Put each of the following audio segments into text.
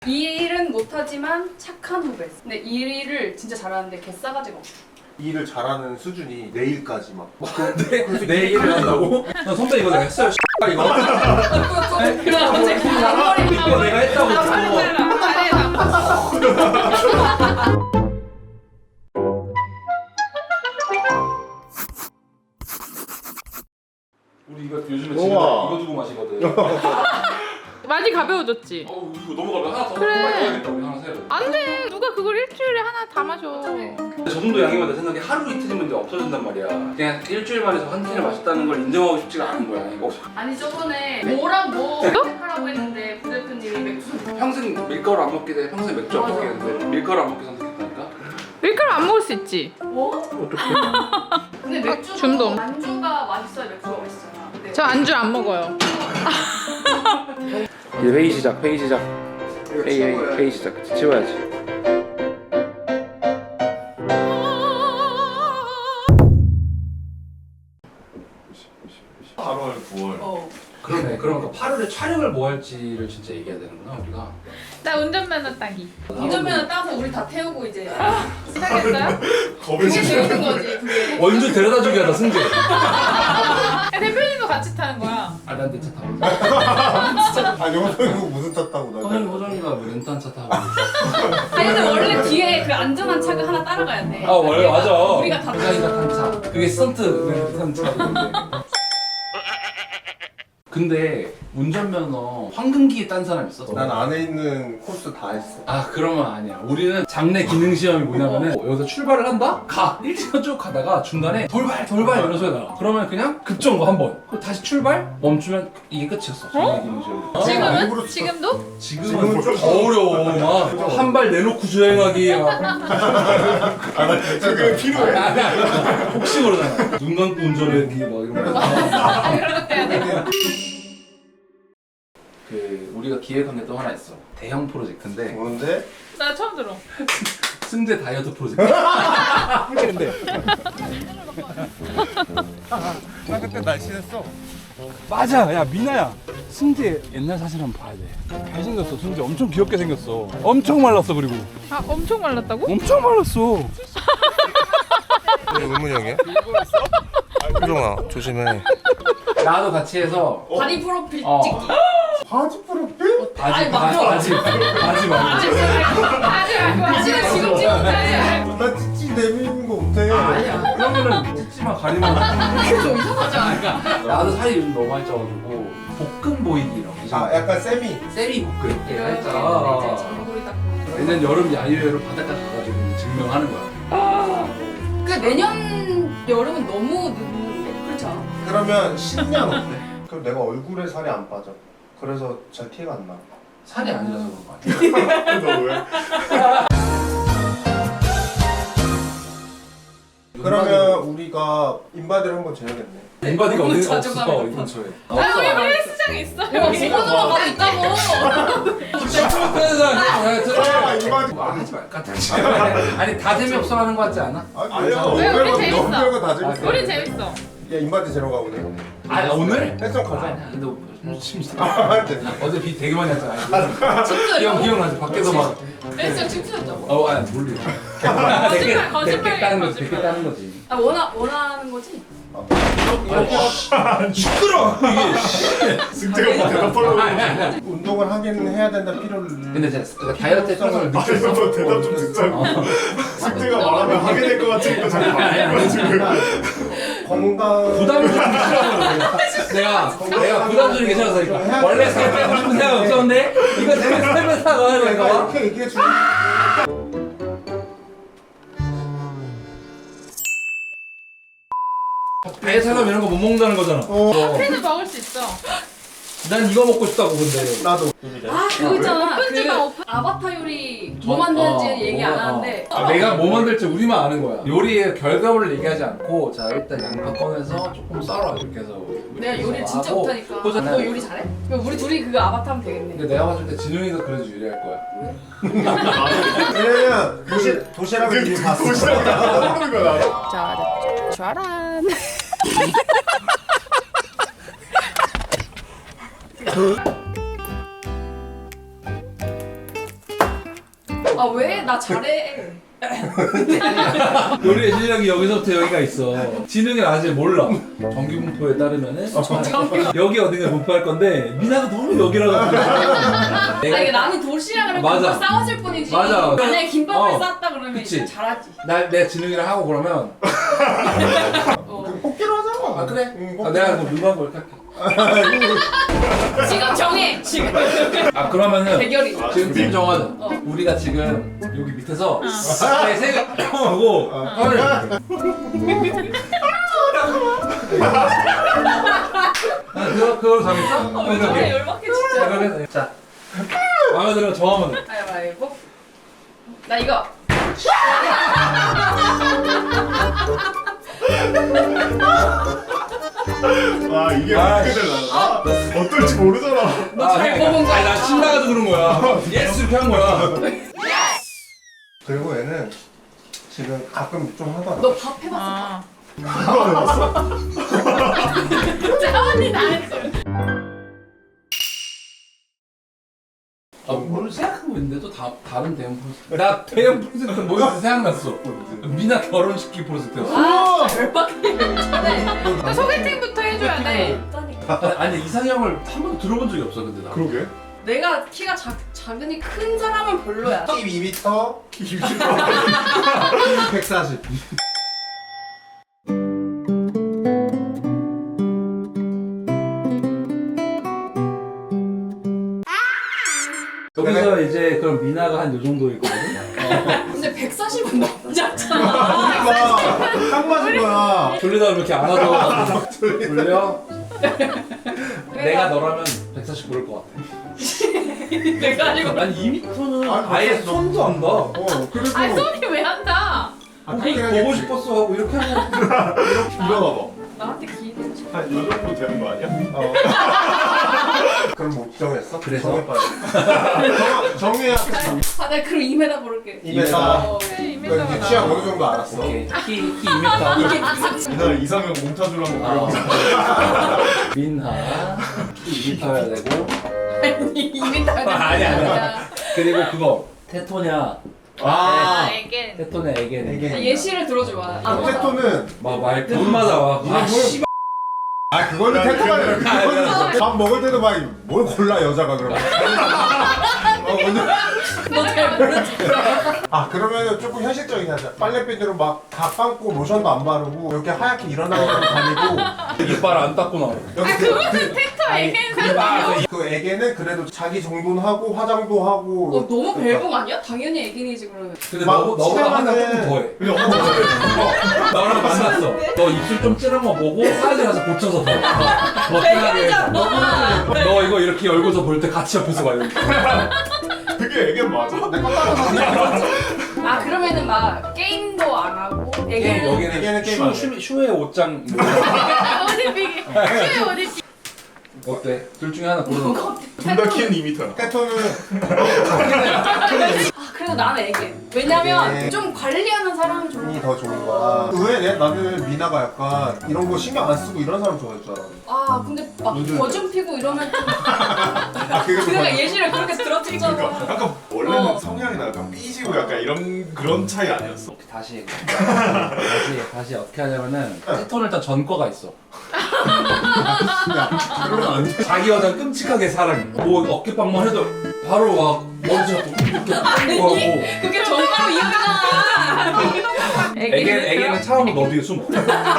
이 일은 못하지만 착한 후배. 근데 이 일을 진짜 잘하는데 개 싸가지가 없어. 이 일을 잘하는 수준이 내일까지 막. 내 얘기를 한다고? 나 선배 이거 내가 했어요. 이거. 그래 갑자기 앞머리 이거 내가 했다고. 우리 이거 요즘에 집에 우와. 이거 두고 마시거든. 많이 가벼워졌지? 이거 너무 가벼워. 하나 더 그래. 먹어야겠다. 우리 하나 사야 돼. 안돼 누가 그걸 일주일에 하나 다 마셔. 근데 저 정도 양이면 내 생각에 하루 이틀이면 이제 없어진단 말이야. 그냥 일주일 만에 한 캔을 마셨다는 걸 인정하고 싶지가 않은 거야. 이거 아니 저번에 뭐랑 뭐 선택하라고 했는데 부대표님이 맥주. 평생 밀가루 안 먹게 돼. 평생 맥주 안 먹게 되는데 밀가루 안 먹게 선택했다니까. 밀가루 안 먹을 수 있지. 뭐? 근데 맥주 중독. 안주가 맛있어야 맥주가 맛있잖아. 근데 저 안주 안 먹어요. 이제 회의 시작. 회의 시작. 회의 시작. 치워야지. 그러네. 그러니까 8월에 촬영을 뭐 할지를 진짜 얘기해야 되는구나 우리가. 나 운전면허 따기. 운전면허 따서 우리 다 태우고 이제 시작했어요? 그게 재밌는 거지 그게. 원주 데려다 주게 하다 승재. 야, 대표님도 같이 타는 거야. 난 내 차 타고. 아 영상이고 무슨 탔다고 나. 호정이가 뭐 렌트한 차 타고. 아니 근데 원래 뒤에 그 안전한 차가 하나 따라가야 돼. 아 원래 맞아. 우리가 다 호정이가 탄 차. 그게 스턴트 탄 차인데. 근데 운전면허 황금기에 딴 사람 있어? 난 안에 있는 코스 다 했어. 아 그러면 아니야. 우리는 장내 기능 시험이 뭐냐면은 여기서 출발을 한다? 가! 1km 쭉 가다가 중간에 돌발 이런 소리가 나. 그러면 그냥 급정거 한 번. 그리고 다시 출발? 멈추면 이게 끝이었어. 장내 기능 시험. 지금은? 일부러 지금도? 지금은 좀 어려워. 막 한 발 내놓고 주행하기. 막. 지금 필요해. 혹시 모르잖아. 눈 감고 운전하기 막 이런 거. 아 그런 것도 해야 돼? 그 우리가 기획한 게 또 하나 있어. 대형 프로젝트인데 뭔데? 나 처음 들어. 승재 다이어트 프로젝트. 나 그때 날씬했어. 맞아. 야 미나야, 승재 옛날 사진 한번 봐야 돼. 잘생겼어. 승재 엄청 귀엽게 생겼어. 엄청 말랐어. 그리고 아 엄청 말랐다고? 엄청 말랐어. 이게 의문이 형이야? 효정아 조심해. 나도 같이 해서 다리 프로필 어. 찍기. 바지 프로필? 바지 말고. 바지 말고. 바지는 지금 찍었대. 나 찌찌 내미는 거 못해. 아니야. 그러면은 찌찌만 가리면 그게 좀 이상하잖아. 그러니까 나도 살이 요즘 너무 많이 쪄가지고 볶음 보이기라고. 아 약간 세미. 세리 볶음. 이렇게 이제 살짝. 전골이 딱. 내년 여름 야유회로 바닷가 가가지고 증명하는 거야. 그 내년 여름은 너무 늦는데 그렇지 않아? 그러면 신년 어때? 그럼 내가 얼굴에 살이 안 빠져. 그래서 잘 티가 안 나. 살이 아니라서 그런 거 아니야? 너 왜? 그러면 우리가 인바디를 한번 재야겠네. 인바디가 너무 어디 자주 없어 가는 이 근처에. 아 우리 헬스장에 있어. 여기 모노만 가고 있다고. 아 인바디. 하지 말까? 아니 다 재미없어 하는 거 같지 않아? 아니야. 왜? 우리 재밌어. 별거 다 재밌어. 우리 재밌어. 야 인바디 재러 가보네. 아 오늘? 헬스장 가자. 아니야 근데 심심해. 아, 네. 어제 비 되게 많이 왔잖아. 기억나지? 밖에서 막. 헬스장 춤추였죠. 아니 몰라. 거짓말, 따는 거지. 거짓말. 댓글 따는 거지. 아 원하는 거지? 시끄러. 승재가 뭐 대답하려고. 운동을 하긴 해야 된다 필요를. 근데 제가 다이어트 성을 느꼈어. 대답 좀 듣자고. 승재가 말하면 하게 될 것 같으니까 자꾸 말하는 지금. 건강. 부담을 좀 싫어하는 내가 부담 주는 게 싫어서 그러니까 원래 살 빼고 싶은 생각 없었는데 이거 때문에 살면 사고 하는 내가 거야. 이렇게 얘기해 주는. 배 사람 이런 거 못 먹는다는 거잖아. 회는 먹을 수 있어. 난 이거 먹고 싶다고 근데. 나도. 아 그거 있잖아. 오픈지마, 그 오픈. 아바타 요리 뭐 만드는지 얘기 안 하는데. 내가 뭐 만들지 우리만 아는 거야. 요리의 결과물을 얘기하지 않고 자 일단 양파 꺼내서 조금 썰어 이렇게 해서. 내가 요리 진짜 하고 못하니까. 호전- 너 요리 잘해? 그럼 우리 둘이 그거 아바타 하면 되겠네. 근데 내가 봤을 때 진웅이가 그래도 유리할 거야. 왜냐면 도시락을 이미 봤어. 모르는 거야 나. 자, 짜란. 아 왜? 나 잘해. 우리의 실력이 여기서부터 여기가 있어. 지능은 아직 몰라. 정규 분포에 따르면은 여기 어딘가 분포할 건데 미나가 너무 여기라고. 아 이게 나는 도시락 그러면 맞아. 금방 싸워질 뿐이지. 맞아. 만약에 김밥을 어. 쌌다 그러면 그치. 이제 잘하지. 내가 지능이랑 하고 그러면 뽑기로 하자. 아 그래? 응, 내가 그럼 누가 뭘 할게. 지금 정해. 지금. 아 그러면은 대결이. 지금 팀 정하자. 우리가 지금 여기 밑에서 세 하고 하늘. 그걸 정했어? 왜 저래 열받게 진짜. 그러면 자 마음에 들어 정하면 돼. 가위바위보. 나 이거. 아 이게 어떻게 되려나? 어떨지 모르잖아. 너 잘 뽑은 거야. 아니 나 신나가지고 그런 거야. 예스 이렇게 한 거야. 그리고 얘는 지금 가끔 좀 하다가 너 밥 해봤어? 아. 그거 해봤어? 짜언니 다 했어. 뭘 생각하고 있는데 또 다른 대형 프로젝트. 나 대형 프로젝트 뭐였지 생각났어. 미나 결혼식기 프로젝트였어. 아 열받게 괜찮네. 그 소개팅부터 해줘야 돼. 아니 이상형을 한 번도 들어본 적이 없어 근데 나. 그러게. 내가 키가 작으니 큰 사람은 별로야. 키 2m, 키 140. 여기서 이제 그럼 미나가 한 요 정도일 거거든. 근데 140은 너무 작잖아. 딱 맞은 거야. 돌리다 이렇게 안아서 돌려. 내가 너라면 140 고를 것 같아. 내가 아니고. 아니 2m는 아니, 아예 벌써 손도 안 가. 그래도 아니 손이 왜 한다? 아니 보고 싶었어 하고 이렇게 하고. 일어나봐. 나한테 기대는 좀. 한 이 정도 되는 거 아니야? 그럼 뭐 정했어? 그래서? 정해야 아, 나 그럼 2m 고를게. 2m. 어. 그래 이미 너 이제 취향 어느 정도 알았어. 오케이. 키 2m. 이날 이상형 몽타주를 한번 아. 그려보자. 민하 키 2m여야 되고. 아니 2m. 아니야. 그리고 그거 테토냐. 아, 애겐. 테토냐 애겐. 이게 예시를 들어줘봐. 아, 테토는 막말 끝마다 와. 아 씨. 그거는 테토가 아니라 그거는 밥 먹을 때도 막 뭘 골라 여자가 그러면. 너잘 모르지. 그러면은 조금 현실적이게 하자. 빨래비누로 막 다 감고 로션도 안 바르고 이렇게 하얗게 일어나고 다니고 이빨 안 닦고 나와. 여기 테토 애겐. 그 애기는 그래도 자기 정돈 하고 화장도 하고. 너무 벨붕 아니야? 당연히 애기니지 그러면. 근데 막 너보다 한 달 조금 더해. 나랑 만났어. 너 입술 좀 찌른 거 보고 사이즈 가서 고쳐서 더 진하게 해서. 너 이거 이렇게 열고서 볼 때 같이 옆에서 봐 이렇게. 그게 애기 맞아? 아 그러면은 막 게임도 안 하고 애기는 여기는 게임 안 해. 슈의 옷장 옷 입히기. 슈에 옷 입히기. 어때? 둘 중에 하나 고르는 거. 둘 다 키는 2m야. 테토는 아 그래도 나는 애기. 왜냐면 애기. 좀 관리하는 사람이 좋은 이 더 좋은 거야. 의외네. 나는 미나가 약간 이런 거 신경 안 쓰고 이런 사람 좋아할 줄 알았는데. 아 근데 막 요즘- 거좀 피고 이러면 좀 그게 그러니까 예시를 그렇게 들었잖아. 그러니까 약간 원래는 어. 성향이나 약간 삐지고 약간 이런 그런 차이 아니었어? 다시 어떻게 하냐면은 테토는 일단 전과가 있어. 그러면 안 돼. 자기 여자 끔찍하게 사랑해. 뭐 어깨빵만 해도 바로 막 먼지 잡고 이렇게 하고. 그게 정가로 이유잖아. 애기는 차오고 너 뒤에 숨어.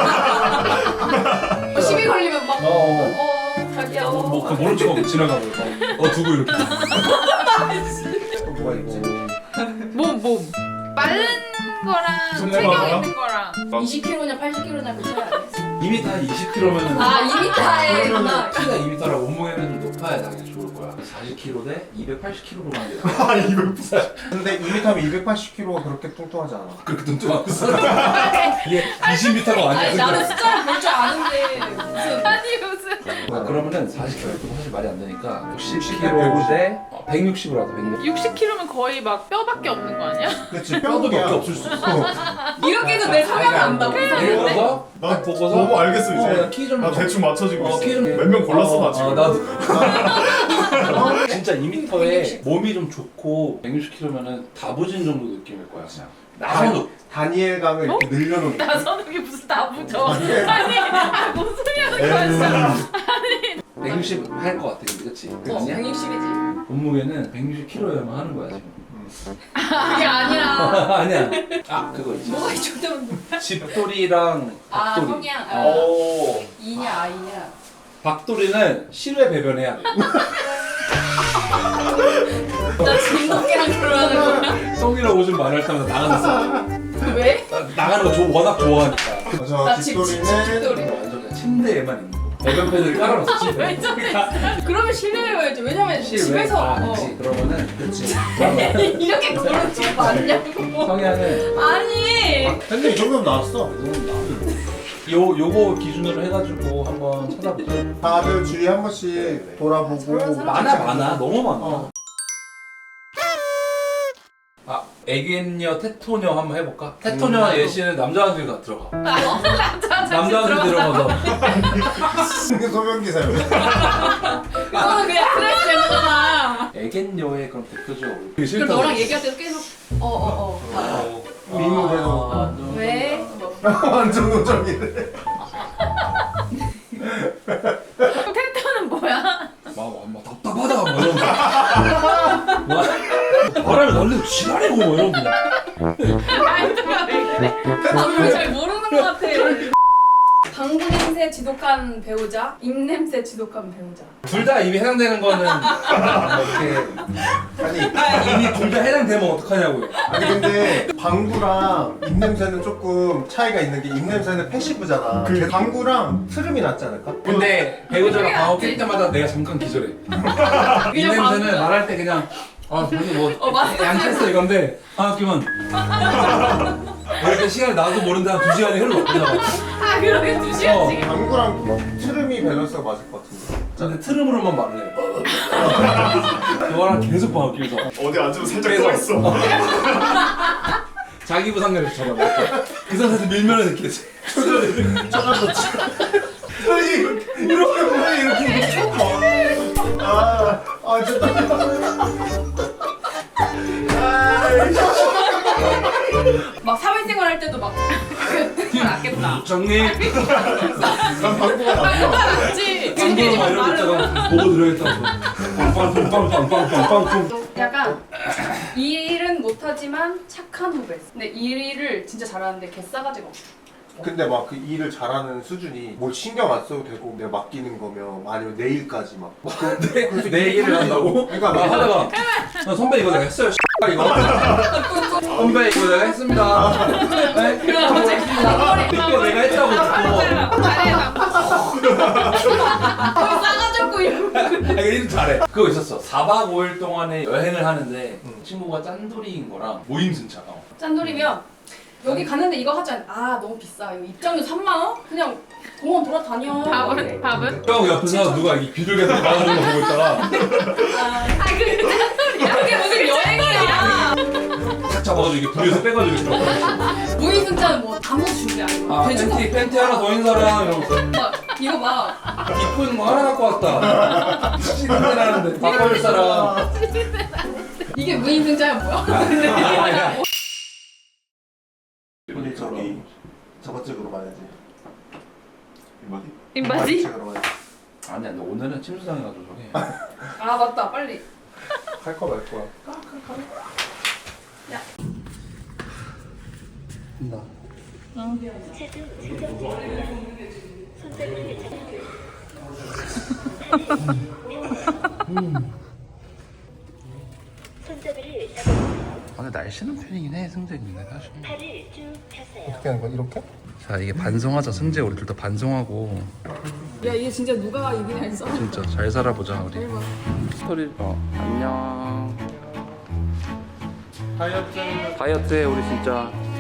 시비 걸리면 막 자기야. 뭐 그 모른 척하고 지나가고 두고 이렇게. 뭐가 있지? 몸. 빠른 거랑 손 체격 내봐라. 있는 거랑. 20kg냐 80kg냐 그 차이 아니었어. 2m 한 20kg면은 아 2m에 키가 2m라 몸무게는 좀 높아야 당연히 좋을 거야. 40kg 대 280kg로 만들. 아, 200. 근데 2m면 280kg가 그렇게 뚱뚱하지 않아. 그렇게 뚱뚱하고 있어. 이게 20m가 아니 아니야. 나는 숫자를 볼 줄 아는데 무슨 아니 무슨. 그러면은 40kg도 사실 말이 안 되니까 60 60kg 대 160으로 하자. 160. 60kg면 거의 막 뼈밖에 없는 거 아니야? 그렇지. 뼈도 몇 뼈도야. 개 없을 수 있어. 이렇게 해도 내 성향을 안다고 예를 이상한데? 들어서 나 딱 보고서 보고 알겠어 이제. 키 좀. 나 대충 맞춰지고 있어. 키 좀. 몇 명 골랐어 나 지금. 나도. 진짜 2m에 몸이 좀 좋고 160kg면은 다부진 정도 느낌일 거야 그냥. 나선우. 다니엘 강을 이렇게 늘려놓은 거. 나선욱이 무슨 나부죠? 아니, 아니 무슨 소리 하는 거였어? 160 할 것 같아 근데 그치? 아니야? 160이지. 몸무게는 160kg여야만 하는 거야 지금. 그게 아니라. 아니야. 아 그거 있지. 뭐가 좋다면 집돌이랑 아 박돌이. 성향. 오. 이냐 아이냐. 박돌이는 실외 배변해야 돼. 나 진동이랑 결혼하는 거야? 똥이라고 좀 말할 때마다 나가서 왜? 나가는 거 워낙 좋아하니까. 저 나 집돌이는 집돌이. 완전 그냥 침대에만 있는 거. 배변 패드를 깔아놨어 침대. 왜 저래? 그러면 실내여야지. 왜냐면 실외? 집에서 아 그치. 그러면은 그치. 그러면 이렇게 걸은 집 맞냐고. 성향은 아니. 근데 이 정도면 나왔어. 요거 기준으로 해가지고 한번 찾아보자. 다들 주위에 한 번씩 돌아보고 저런 사람 많아 너무 많아. 아 애견녀 테토녀 한번 해볼까? 테토녀 예시는 남자한테 들어가. 남자한테 들어가서 소변기사요. 그거는 그냥 스트레스 되는 거잖아. 애견녀의 그럼 대표적으로. 그럼 너랑 얘기할 때도 계속 미모대로 왜? 완전 노정이네. 텐트는 뭐야? 막 답답하다 뭐 이런 거. 말하면 날리고 지랄이고 뭐 이런 거. 말투가 왜 그래? 나도 잘 모르는 것 같아. 방구 냄새 지독한 배우자, 입냄새 지독한 배우자. 둘 다 이미 해당되는 거는 이렇게 아니 이미 둘 다 해당되면 어떡하냐고요. 아니 근데 방구랑 입냄새는 조금 차이가 있는 게 입냄새는 패시브잖아. 방구랑 트름이 낫지 않을까? 근데 배우자가 방어 낄 때마다 내가 잠깐 기절해. 이 냄새는 말할 때 그냥 아 그래도 뭐 맞아. 양치했어 이건데 아 그만 이렇게 시간이 나도 모른데 한 2시간이 흘러 그냥. 아 그러게 2시간씩. 방구랑 트름이 밸런스가 맞을 것 같은데. 근데 트름으로만 말을 해. 그거랑 계속 방어 끼면서 어디 앉으면 살짝 그래서- 떠있어. 자기 부상률을 저런 그 상태에서 밀면은 이렇게 이렇게 보면 이렇게 막 사회생활 할 때도 막 낫겠다. 장님 난 방구가 낫지. 맞지? 방구로 막 이러고 있다가 보고 들어야겠다고 빵빵빵빵빵빵빵빵 약간 이 일은 못하지만 착한 후배. 근데 이 일을 진짜 잘하는데 개싸가지가 없어. 근데 막 그 일을 잘하는 수준이 뭘 신경 안 써도 되고 내가 맡기는 거면 아니면 내일까지 막 내 일을 한다고? 그러니까 나 막 하다가 선배 이거 내가 했어요 이거 선배 이거 내가 했습니다 네? 그럼 갑자기 이거 내가 했다고 잘해 나. 싸가지고 이러고. 이거 일 잘해 그거 있었어 4박 5일 동안에 여행을 하는데 친구가 짠돌이인 거랑 모임승차 짠돌이면 여기 갔는데 이거 하자. 아 너무 비싸. 이거 입장료 3만 원? 그냥 공원 돌아다녀. 밥은? 형 옆에서 누가 이 비둘기한테 말하는 거 보고 있다가 아 그게 짠돌이야. 그게 무슨 여행이야. 탁 잡아가지고 이게 불에서 빼가지고 이렇게 무인승차는 뭐 아무것도 준비 안 해. 아 팬티 하나 더 있는 사람 이러면서 막 이거 막 이쁜 거 하나 갖고 왔다 시간대 나는데 바꿔줄 사람 이게 무인승차야 뭐야? 아니야 우리 저기 저번 쪽으로 가야지. 이마디? 인바지? 쪽으로 가야지. 아니야 너 오늘은 침수당해가지고 저기 아 맞다 빨리. 할 거 말 거야. 야. 나 손잡이를 잡아주세요. 오늘 날씨는 편이긴 해 승재님네 사실 팔을 쭉 펴세요. 어떻게 하는 거야? 이렇게? 자 이게 반성하자 승재 우리 둘 다 반성하고 야 이게 진짜 누가 이기냐 했어. 진짜 잘 살아보자 우리 스토리 안녕 다이어트해 우리 진짜